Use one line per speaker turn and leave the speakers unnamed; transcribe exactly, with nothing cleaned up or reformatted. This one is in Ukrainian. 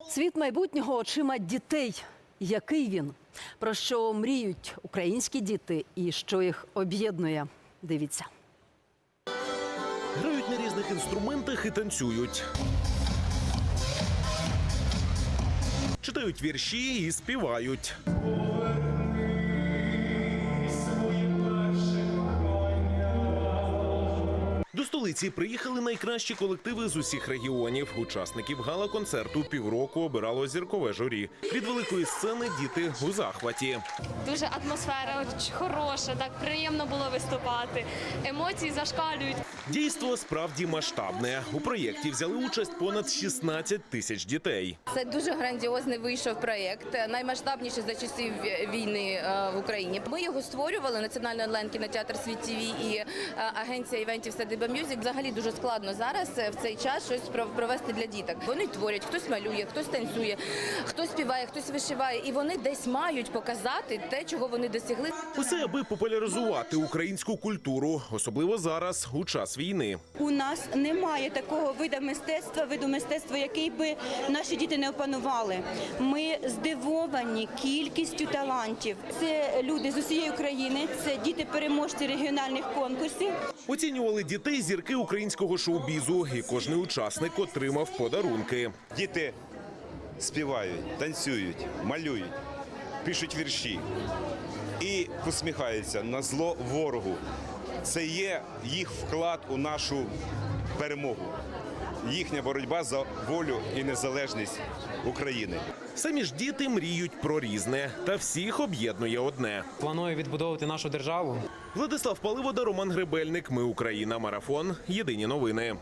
Світ майбутнього очима дітей. Який він? Про що мріють українські діти і що їх об'єднує? Дивіться.
Грають на різних інструментах і танцюють. Читають вірші і співають. До столиці приїхали найкращі колективи з усіх регіонів. Учасників гала-концерту півроку обирало зіркове журі. Від великої сцени діти у захваті.
Дуже атмосфера хороша, так приємно було виступати. Емоції зашкалюють.
Дійство справді масштабне. У проєкті взяли участь понад шістнадцять тисяч дітей.
Це дуже грандіозний вийшов проєкт, наймасштабніший за часів війни в Україні. Ми його створювали, Національний онлайн-кінотеатр «Світ ТВ» і агенція івентів «Садиба Мюзик». Взагалі дуже складно зараз в цей час щось провести для діток. Вони творять, хтось малює, хтось танцює, хтось співає, хтось вишиває. І вони десь мають показати те, чого вони досягли.
Усе аби популяризувати українську культуру, особливо зараз, у час війни.
У нас немає такого виду мистецтва, виду мистецтва, який би наші діти не опанували. Ми здивовані кількістю талантів. Це люди з усієї України, це діти-переможці регіональних конкурсів.
Оцінювали дітей зірки українського шоу-бізу, і кожний учасник отримав подарунки.
Діти співають, танцюють, малюють, пишуть вірші і посміхаються на зло ворогу. Це є їх вклад у нашу перемогу, їхня боротьба за волю і незалежність України.
Самі ж діти мріють про різне, та всіх об'єднує одне.
Планую відбудовувати нашу державу.
Владислав Паливода, Роман Гребельник. Ми Україна. Марафон. Єдині новини.